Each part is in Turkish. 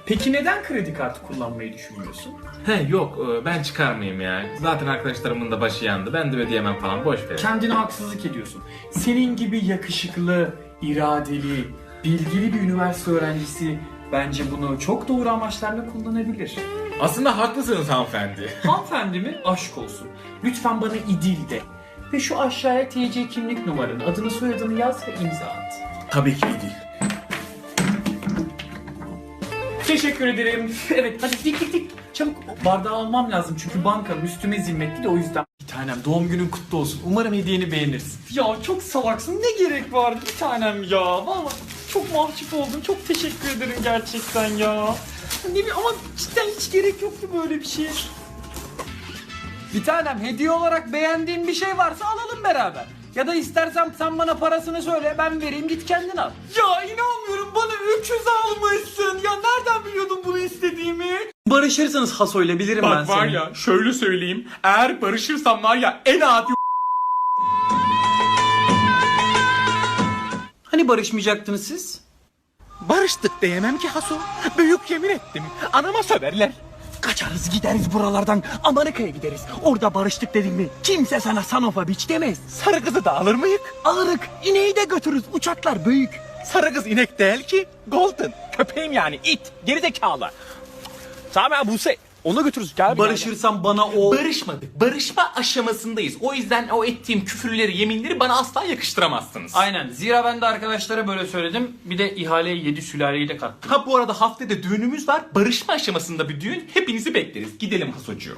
Peki neden kredi kartı kullanmayı düşünmüyorsun? Yok ben çıkarmayayım ya. Zaten arkadaşlarımın da başı yandı. Ben de ödeyemem falan, boş ver. Kendine haksızlık ediyorsun. Senin gibi yakışıklı, iradeli, bilgili bir üniversite öğrencisi bence bunu çok doğru amaçlarla kullanabilir. Aslında haklısınız hanımefendi. Hanımefendi mi? Aşk olsun. Lütfen bana İdil de. Ve şu aşağıya TC kimlik numaranı, adını soyadını yaz ve imza at. Tabii ki değil. Teşekkür ederim. Evet hadi dik. Çabuk bardağı almam lazım çünkü bankanın üstüme zimmetli de o yüzden. Bir tanem doğum günün kutlu olsun. Umarım hediyeni beğenirsin. Ya çok salaksın, ne gerek vardı bir tanem ya. Vallahi çok mahcup oldum. Çok teşekkür ederim gerçekten ya. Ne bileyim ama cidden hiç gerek yoktu böyle bir şeye. Bir tanem, hediye olarak beğendiğin bir şey varsa alalım beraber. Ya da istersen sen bana parasını söyle, ben vereyim, git kendin al. Ya inanmıyorum, bana öküz almışsın. Ya nereden biliyordun bunu istediğimi? Barışırsanız Haso'yla bilirim ben Bak seni. var ya, şöyle söyleyeyim. Eğer barışırsam var ya, en adi... Hani barışmayacaktınız siz? Barıştık diyemem ki Haso. Büyük yemin ettim. Anama söverler. Kaçarız gideriz buralardan. Amerika'ya gideriz. Orada barıştık dedim mi kimse sana Sanofa biç demez. Sarı kızı da alır mıyık? Alırık. İneği de götürürüz. Uçaklar büyük. Sarı kız inek değil ki. Golden. Köpeğim yani it. Gerizekalı. Sami Buse. Onu götürürüz. Gel Barışırsam bana o... Barışmadık. Barışma aşamasındayız. O yüzden o ettiğim küfürleri, yeminleri bana asla yakıştıramazsınız. Aynen. Zira ben de arkadaşlara böyle söyledim. Bir de ihaleye 7 sülaleyi de kattım. Ha bu arada haftaya düğünümüz var. Barışma aşamasında bir düğün. Hepinizi bekleriz. Gidelim Hasocuğum.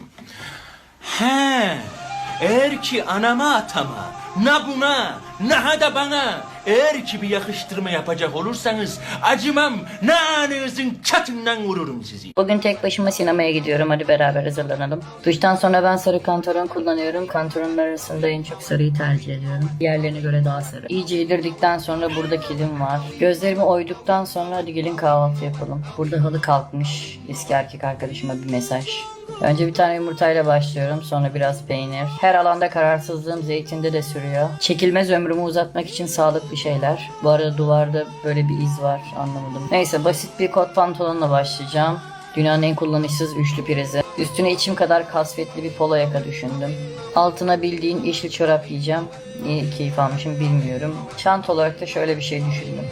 He. Eğer ki anama atama, na buna, na da bana, eğer ki bir yakıştırma yapacak olursanız acımam, na anınızın çatından vururum sizi. Bugün tek başıma sinemaya gidiyorum. Hadi beraber hazırlanalım. Duştan sonra ben sarı kantaron kullanıyorum. Kantaronlar arasında en çok sarıyı tercih ediyorum. Diğerlerine göre daha sarı. İyice yedirdikten sonra burada kilim var. Gözlerimi oyduktan sonra hadi gelin kahvaltı yapalım. Burada halı kalkmış. Eski erkek arkadaşıma bir mesaj. Önce bir tane yumurtayla başlıyorum. Sonra biraz peynir. Her alanda kararsızlığım zeytinde de sürüyor. Çekilmez ömrümü uzatmak için sağlıklı şeyler. Bu arada duvarda böyle bir iz var. Anlamadım. Neyse basit bir kot pantolonla başlayacağım. Dünyanın en kullanışsız üçlü prizi. Üstüne içim kadar kasvetli bir polo yaka düşündüm. Altına bildiğin yeşil çorap giyeceğim. Niye keyif almışım bilmiyorum. Çanta olarak da şöyle bir şey düşündüm.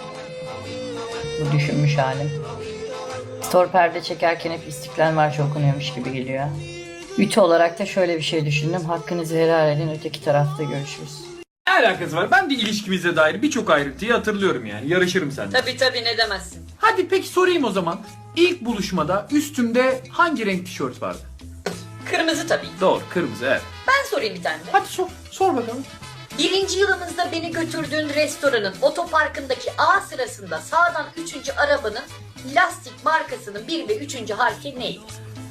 Bu düşünmüş halim. Store perde çekerken hep İstiklal Marşı okunuyormuş gibi geliyor. Ütü olarak da şöyle bir şey düşündüm. Hakkınızı helal edin, öteki tarafta görüşürüz. Ne alakası var? Ben de ilişkimize dair birçok ayrıntıyı hatırlıyorum yani. Yarışırım seninle. Tabii ne demezsin. Hadi peki sorayım o zaman. İlk buluşmada üstümde hangi renk tişört vardı? Kırmızı tabii. Doğru, kırmızı, evet. Ben sorayım bir tane de. Hadi sor bakalım. Birinci yılımızda beni götürdüğün restoranın otoparkındaki A sırasında sağdan 3. arabanın lastik markasının 1 ve 3. harfi neydi?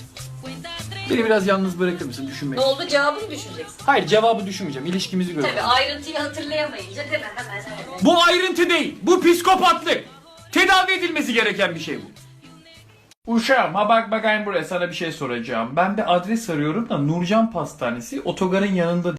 Beni biraz yalnız bırakır mısın düşünmek? Ne oldu, cevabını düşüneceksin. Hayır, cevabı düşünmeyeceğim. İlişkimizi Tabii göreceğim. ayrıntıyı hatırlayamayınca değil mi? Hemen. Bu ayrıntı değil. Bu psikopatlık. Tedavi edilmesi gereken bir şey bu. Uşağım ha bak bakayım buraya, sana bir şey soracağım. Ben bir adres arıyorum da Nurcan Pastanesi otogarın yanında